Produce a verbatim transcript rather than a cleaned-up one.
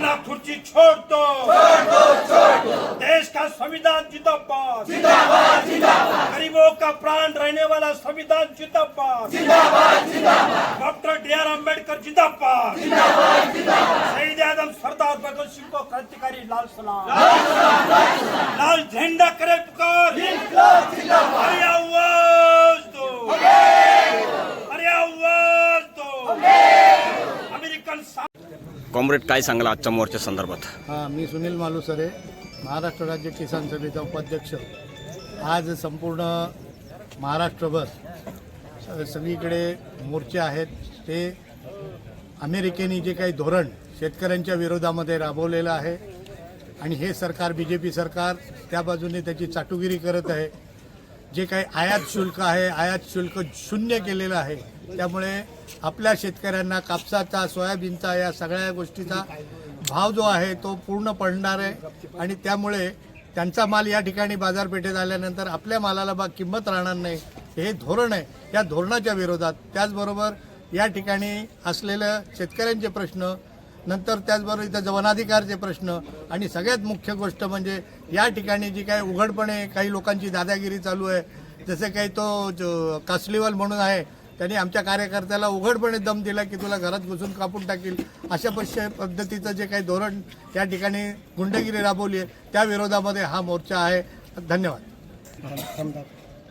काला खुर्ची छोड़ दो, छोड़ दो, छोड़ दो। देश का संविधान जिंदाबाद, जिंदाबाद, जिंदाबाद। गरीबों का प्राण रहने वाला संविधान जिंदाबाद, जिंदाबाद, जिंदाबाद। डॉक्टर डी आर अम्बेडकर जिंदाबाद, जिंदाबाद, जिंदाबाद। शहीद आजम सरदार भगत सिंह को क्रांतिकारी लाल सलाम, लाल सलाम, लाल सलाम। लाल झंडा करे पुकार, इंकलाब जिंदाबाद। अरे आवाज दो, अरे आवाज दो। अमेरिकन कॉम्रेड काय सांगाल आजच्या मोर्चा संदर्भात? हां, मी सुनील मालुसरे, महाराष्ट्र राज्य किसान सभेचा उपाध्यक्ष। आज संपूर्ण महाराष्ट्रभर सगळीकडे मोर्चे आहेत। ते अमेरिकेने जे काही धोरण शेतकऱ्यांच्या विरोधामध्ये राबवलेलं आहे आणि हे सरकार बी जे पी सरकार त्या बाजूने त्याची चाटुगिरी करत आहे। जे काही आयात शुल्क आहे, आयात शुल्क शून्य केलेलं आहे। त्यामुळे आपल्या शेतकऱ्यांना कापसाचा, सोयाबीनचा, या सगळ्या गोष्टीचा भाव जो आहे तो पूर्ण पडणार आहे आणि त्यामुळे त्यांचा माल या ठिकाणी बाजारपेठेत आल्यानंतर आपल्या मालाला बा किंमत राहणार नाही। हे धोरण आहे, या धोरणाच्या विरोधात। त्याचबरोबर या ठिकाणी असलेलं शेतकऱ्यांचे प्रश्न, नंतर त्याचबरोबर इथं वनाधिकारचे प्रश्न आणि सगळ्यात मुख्य गोष्ट म्हणजे या ठिकाणी जी काही उघडपणे काही लोकांची दादागिरी चालू आहे, जसे काही तो जो कासलीवाल म्हणून आहे, त्यांनी आमच्या कार्यकर्त्याला उघडपणे दम दिला की तुला घरात घुसून कापून टाकील, अशा पद्धतीचं जे काही धोरण या ठिकाणी गुंडगिरी राबवली आहे त्या विरोधामध्ये हा मोर्चा आहे। धन्यवाद।